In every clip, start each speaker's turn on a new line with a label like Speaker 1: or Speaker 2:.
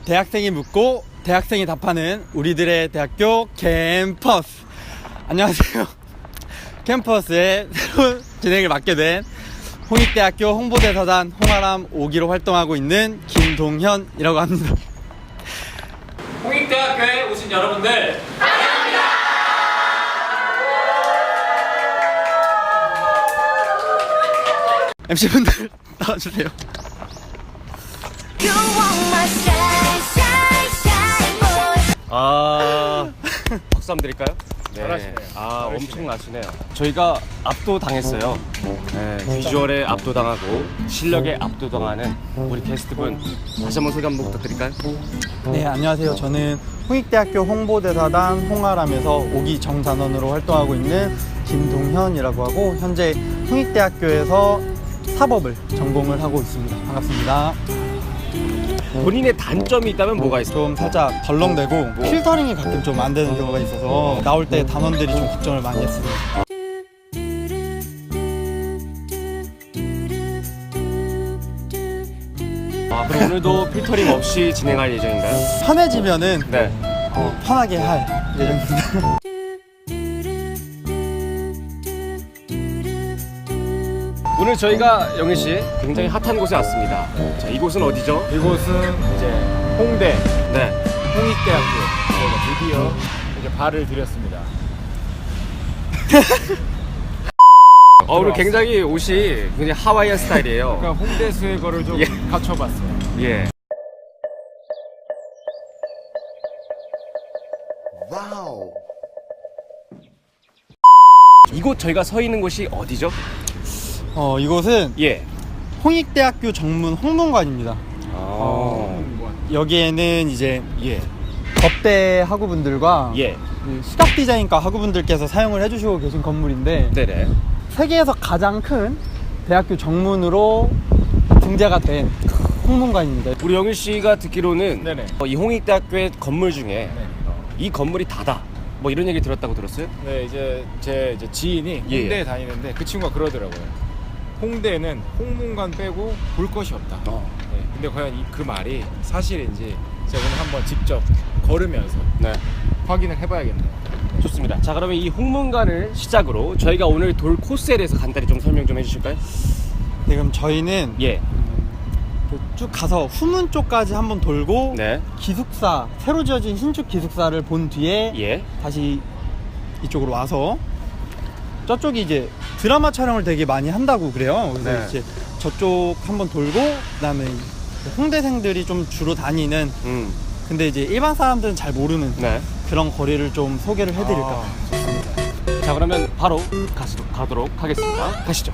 Speaker 1: 대학생이 묻고 대학생이 답하는 우리들의 대학교 캠퍼스. 안녕하세요. 캠퍼스의 새로운 진행을 맡게 된 홍익대학교 홍보대사단 홍아람 5기로 활동하고 있는 김동현이라고 합니다.
Speaker 2: 홍익대학교에 오신 여러분들 환영합니다.
Speaker 1: MC분들 나와주세요.
Speaker 3: 박수 한번 드릴까요? 네.
Speaker 2: 잘하시네요.
Speaker 3: 엄청나시네요. 저희가 압도당했어요. 네, 비주얼에 압도당하고 실력에 압도당하는 우리 게스트분 다시 한번 소개 한번 부탁드릴까요?
Speaker 1: 네, 안녕하세요. 저는 홍익대학교 홍보대사단 홍아람에서 5기 정단원으로 활동하고 있는 김동현이라고 하고 현재 홍익대학교에서 사법을 전공을 하고 있습니다. 반갑습니다.
Speaker 3: 본인의 단점이 있다면 뭐가 있어요?
Speaker 1: 좀 살짝 덜렁대고 필터링이 가끔 좀 안 되는 경우가 있어서 나올 때 단원들이 좀 걱정을 많이 했습니다.
Speaker 3: 그럼 오늘도 필터링 없이 진행할 예정인가요?
Speaker 1: 편해지면은
Speaker 3: 네.
Speaker 1: 편하게 할 예정입니다.
Speaker 3: 오늘 저희가 영희 씨 굉장히 핫한 곳에 왔습니다. 자, 이곳은 어디죠?
Speaker 2: 이곳은 이제 홍대
Speaker 3: 네.
Speaker 2: 홍익대학교 저희가 드디어 이제 발을 들였습니다.
Speaker 3: 오늘 굉장히 옷이 굉장히 하와이안 스타일이에요.
Speaker 2: 그러니까 홍대 수혜거를 좀
Speaker 3: 예.
Speaker 2: 갖춰봤어요.
Speaker 3: 예.
Speaker 4: 와우.
Speaker 3: 이곳 저희가 서 있는 곳이 어디죠?
Speaker 1: 이곳은
Speaker 3: 예.
Speaker 1: 홍익대학교 정문 홍문관입니다. 여기에는 이제
Speaker 3: 예.
Speaker 1: 법대 학우분들과
Speaker 3: 예.
Speaker 1: 시각 디자인과 학우분들께서 사용을 해주시고 계신 건물인데
Speaker 3: 네네.
Speaker 1: 세계에서 가장 큰 대학교 정문으로 등재가 된 홍문관입니다.
Speaker 3: 우리 영일 씨가 듣기로는
Speaker 2: 네네.
Speaker 3: 이 홍익대학교의 건물 중에
Speaker 2: 네.
Speaker 3: 이 건물이 다다. 뭐 이런 얘기 들었다고 들었어요?
Speaker 2: 네, 이제 제 지인이
Speaker 3: 예.
Speaker 2: 홍대에 다니는데 그 친구가 그러더라고요. 홍대는 홍문관 빼고 볼 것이 없다. 네, 근데 과연 그 말이 사실인지 제가 오늘 한번 직접 걸으면서
Speaker 3: 네.
Speaker 2: 확인을 해봐야겠네요.
Speaker 3: 좋습니다. 자, 그러면 이 홍문관을 시작으로 저희가 오늘 돌 코스에 대해서 간단히 좀 설명 좀 해주실까요?
Speaker 1: 네, 그럼 저희는
Speaker 3: 예.
Speaker 1: 쭉 가서 후문 쪽까지 한번 돌고
Speaker 3: 네.
Speaker 1: 기숙사, 새로 지어진 신축 기숙사를 본 뒤에
Speaker 3: 예.
Speaker 1: 다시 이쪽으로 와서 저쪽이 이제 드라마 촬영을 되게 많이 한다고 그래요. 그래서
Speaker 3: 네.
Speaker 1: 이제 저쪽 한번 돌고 그다음에 홍대생들이 좀 주로 다니는 근데 이제 일반 사람들은 잘 모르는
Speaker 3: 네.
Speaker 1: 그런 거리를 좀 소개를 해드릴까.
Speaker 3: 자, 그러면 바로 가도록 하겠습니다. 가시죠.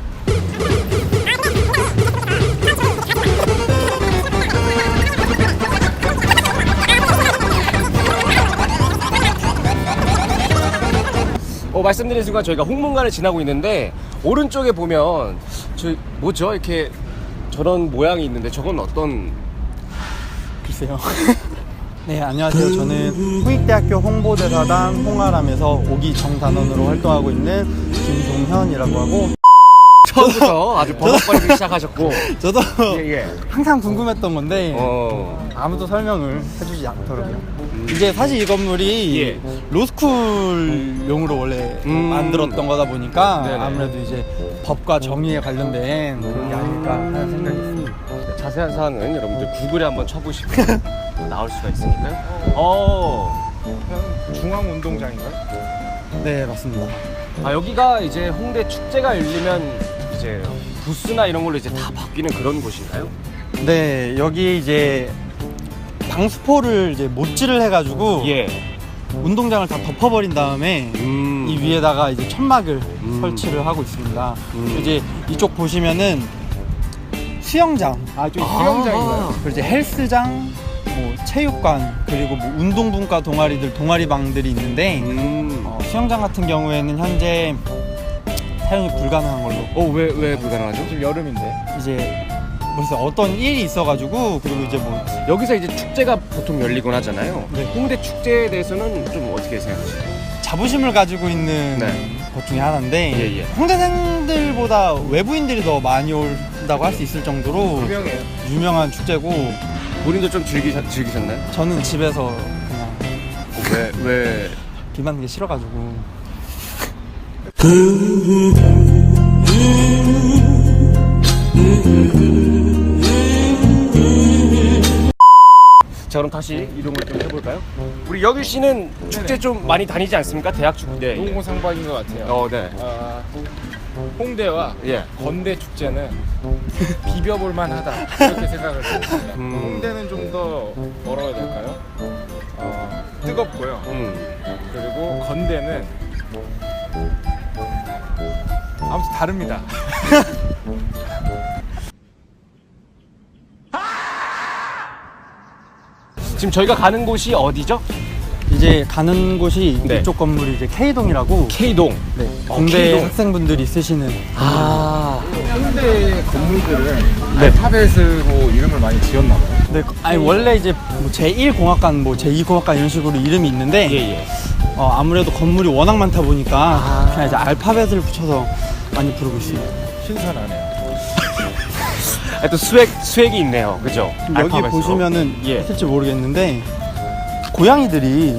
Speaker 3: 말씀드린 순간 저희가 홍문관을 지나고 있는데 오른쪽에 보면 뭐죠? 이렇게 저런 모양이 있는데 저건 어떤?
Speaker 1: 글쎄요. 네, 안녕하세요. 저는 홍익대학교 홍보대사단 홍아람에서 5기 정단원으로 활동하고 있는 김동현이라고 하고
Speaker 3: 처음부터 아주 버벅거리기 시작하셨고
Speaker 1: 저도
Speaker 3: 예.
Speaker 1: 항상 궁금했던 건데 아무도 설명을 해주지 않더라고요. 이제 사실 이 건물이
Speaker 3: 예.
Speaker 1: 로스쿨용으로 원래 만들었던 거다 보니까
Speaker 3: 네네.
Speaker 1: 아무래도 이제 법과 정의에 관련된 그런 게 아닐까 하는 생각이 있습니다.
Speaker 3: 자세한 사항은 여러분들 구글에 한번 쳐보시면 나올 수가 있으니까요.
Speaker 2: 중앙운동장인가요?
Speaker 1: 네, 맞습니다.
Speaker 3: 여기가 이제 홍대 축제가 열리면 이제 부스나 이런 걸로 이제 다 바뀌는 그런 곳인가요?
Speaker 1: 네, 여기 이제 방수포를 이제 못질을 해가지고
Speaker 3: 예.
Speaker 1: 운동장을 다 덮어버린 다음에 이 위에다가 이제 천막을 설치를 하고 있습니다. 이제 이쪽 보시면은 수영장,
Speaker 2: 좀 수영장인가요?
Speaker 1: 그리고 이제 헬스장, 뭐 체육관, 그리고 뭐 운동분과 동아리들, 동아리방들이 있는데 수영장 같은 경우에는 현재 사용이 불가능한 걸로.
Speaker 3: 왜 불가능하죠?
Speaker 2: 지금 여름인데.
Speaker 1: 이제 무슨 어떤 일이 있어가지고 그리고 이제 뭐
Speaker 3: 여기서 이제 축제가 보통 열리곤 하잖아요.
Speaker 1: 네.
Speaker 3: 홍대 축제에 대해서는 좀 어떻게 생각하세요?
Speaker 1: 자부심을 가지고 있는
Speaker 3: 네.
Speaker 1: 것 중에 하나인데
Speaker 3: 예, 예.
Speaker 1: 홍대생들보다 외부인들이 더 많이 온다고 할 수 있을 정도로
Speaker 2: 유명해요.
Speaker 1: 유명한 축제고
Speaker 3: 본인도 좀 즐기셨나요?
Speaker 1: 저는 집에서 그냥
Speaker 3: 왜?
Speaker 1: 비 맞는 게 싫어가지고.
Speaker 3: 자, 그럼 다시 이동을 좀 해볼까요? 우리 여규 씨는 축제 좀 많이 다니지 않습니까? 대학 축제.
Speaker 2: 동고상박인 것 같아요.
Speaker 3: 네.
Speaker 2: 홍대와
Speaker 3: 예.
Speaker 2: 건대 축제는 비벼볼 만하다 이렇게 생각을 했습니다. 홍대는 좀 더 뭐라고 해야 될까요? 뜨겁고요. 그리고 건대는 아무튼 다릅니다.
Speaker 3: 지금 저희가 가는 곳이 어디죠?
Speaker 1: 이제 가는 곳이
Speaker 3: 네.
Speaker 1: 이쪽 건물이 이제 K동이라고.
Speaker 3: K동.
Speaker 1: 네. 공대
Speaker 3: K동.
Speaker 1: 학생분들이 쓰시는.
Speaker 2: 홍대 건물들은
Speaker 3: 네.
Speaker 2: 알파벳으로 이름을 많이 지었나 봐요.
Speaker 1: 네, 아니 원래 이제 뭐 제1공학관, 뭐 제2공학관 이런 식으로 이름이 있는데
Speaker 3: 예.
Speaker 1: 아무래도 건물이 워낙 많다 보니까 그냥 이제 알파벳을 붙여서 많이 부르고 있습니다.
Speaker 2: 신선하네요.
Speaker 3: 또 수액이 있네요. 그죠?
Speaker 1: 여기
Speaker 3: 알파벳으로.
Speaker 1: 보시면은
Speaker 3: 예.
Speaker 1: 있을지 모르겠는데 고양이들이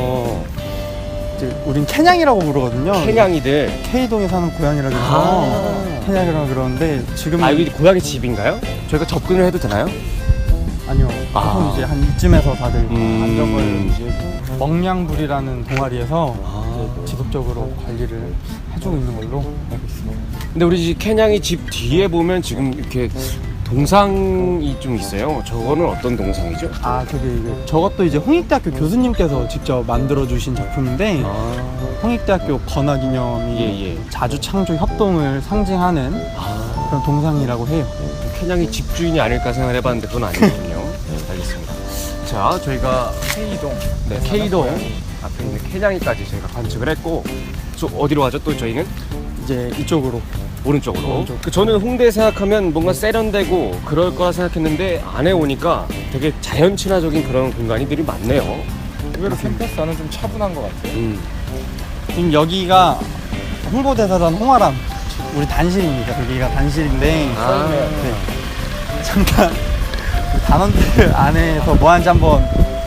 Speaker 1: 이제 우린 캐냥이라고 부르거든요.
Speaker 3: 캐냥이들.
Speaker 1: K동에 사는 고양이라고 해서 캐냥이라고 그러는데 지금
Speaker 3: 여기 고양이 집인가요? 저희가 접근을 해도 되나요?
Speaker 1: 아니요. 보통 이제 한 이쯤에서 다들 안정을
Speaker 3: 이제
Speaker 1: 먹냥불이라는 동아리에서 이제 지속적으로 관리를 해주고 있는 걸로 알고 있습니다.
Speaker 3: 근데 우리 집 캐냥이 집 뒤에 보면 지금 이렇게 동상이 좀 있어요. 저거는 어떤 동상이죠?
Speaker 1: 저것도 이제 홍익대학교 교수님께서 직접 만들어 주신 작품인데 홍익대학교 건화기념이
Speaker 3: 예.
Speaker 1: 자주 창조 협동을 상징하는 그런 동상이라고 해요.
Speaker 3: 캐냥이 집주인이 아닐까 생각을 해봤는데 그건 아니거든요. 네, 알겠습니다. 자, 저희가
Speaker 2: K동.
Speaker 3: 네, K동 앞에 있는 캐냥이까지 저희가 관측을 했고, 어디로 가죠? 또 저희는
Speaker 1: 이제 이쪽으로.
Speaker 3: 오른쪽으로.
Speaker 1: 오른쪽.
Speaker 3: 저는 홍대 생각하면 뭔가 세련되고 그럴 거라 생각했는데 안에 오니까 되게 자연 친화적인 그런 공간이들이 많네요.
Speaker 2: 의외로 캠퍼스 안은 좀 차분한 것 같아요.
Speaker 1: 지금 여기가 홍보대사단 홍아람 우리 단실입니다. 여기가 단실인데 네. 잠깐 그 단원들 안에서 뭐 하는지 한번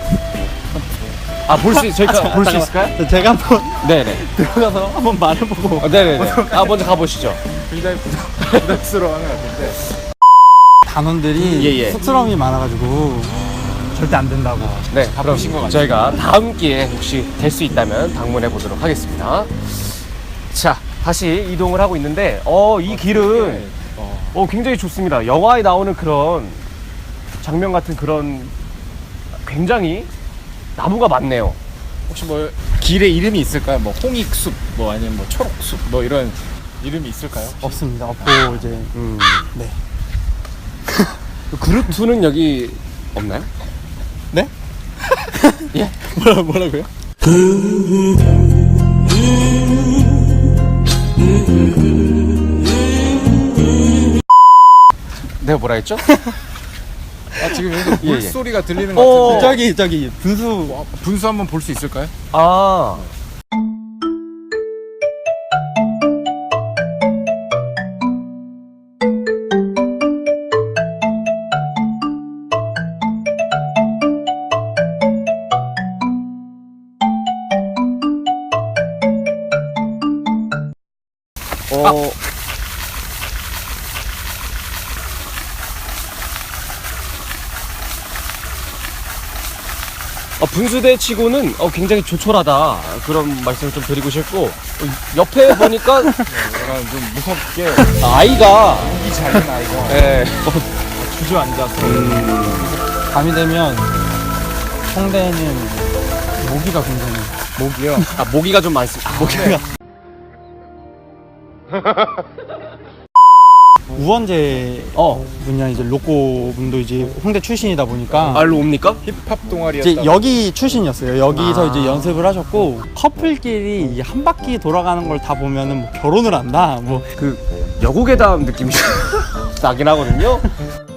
Speaker 3: 저희가 볼 수 있을까요?
Speaker 1: 제가 한번
Speaker 3: 네네.
Speaker 1: 들어가서 한번 말해보고
Speaker 3: 네네네. 먼저 가보시죠.
Speaker 2: 굉장히 부담스러워하는 것 같은데.
Speaker 1: 단원들이
Speaker 3: 예.
Speaker 1: 쑥스러움이 많아가지고 절대 안 된다고.
Speaker 3: 네, 그럼
Speaker 2: 바쁘신 것 같아요.
Speaker 3: 저희가 다음 기회에 혹시 될 수 있다면 방문해 보도록 하겠습니다. 자, 다시 이동을 하고 있는데, 이 길은 굉장히 좋습니다. 영화에 나오는 그런 장면 같은 그런 굉장히 나무가 많네요.
Speaker 2: 혹시 뭐 길에 이름이 있을까요? 뭐 홍익숲, 뭐 아니면 뭐 초록숲, 뭐 이런 이름이 있을까요?
Speaker 1: 없습니다. 없고 이제 네.
Speaker 3: 그루트는 여기 없나요?
Speaker 1: 네?
Speaker 3: 예?
Speaker 1: 뭐라고요?
Speaker 3: 내가 뭐라 했죠?
Speaker 2: 지금 여기서
Speaker 3: 예.
Speaker 2: 물소리가 들리는 것 같은데.
Speaker 1: 저기 분수.
Speaker 2: 분수 한번 볼 수 있을까요?
Speaker 3: 아. 분수대 치고는 굉장히 조촐하다 그런 말씀을 좀 드리고 싶고, 옆에 보니까
Speaker 2: 약간 좀 무섭게
Speaker 3: 아이가
Speaker 2: 이 작은 아이가
Speaker 3: 네.
Speaker 2: 주저앉아서
Speaker 1: 밤이 되면 홍대에는 모기가 굉장히
Speaker 2: 목이요.
Speaker 3: 모기가 좀 많습니다. 모기가
Speaker 1: 우원재 분야 이제 로꼬 분도 이제 홍대 출신이다 보니까
Speaker 3: 알로 옵니까?
Speaker 2: 힙합 동아리였다.
Speaker 1: 이제 여기 출신이었어요. 여기서 이제 연습을 하셨고 커플끼리 이한 바퀴 돌아가는 걸 다 보면은 뭐 결혼을 한다 뭐
Speaker 3: 그 여고괴담 느낌이 나긴 하거든요.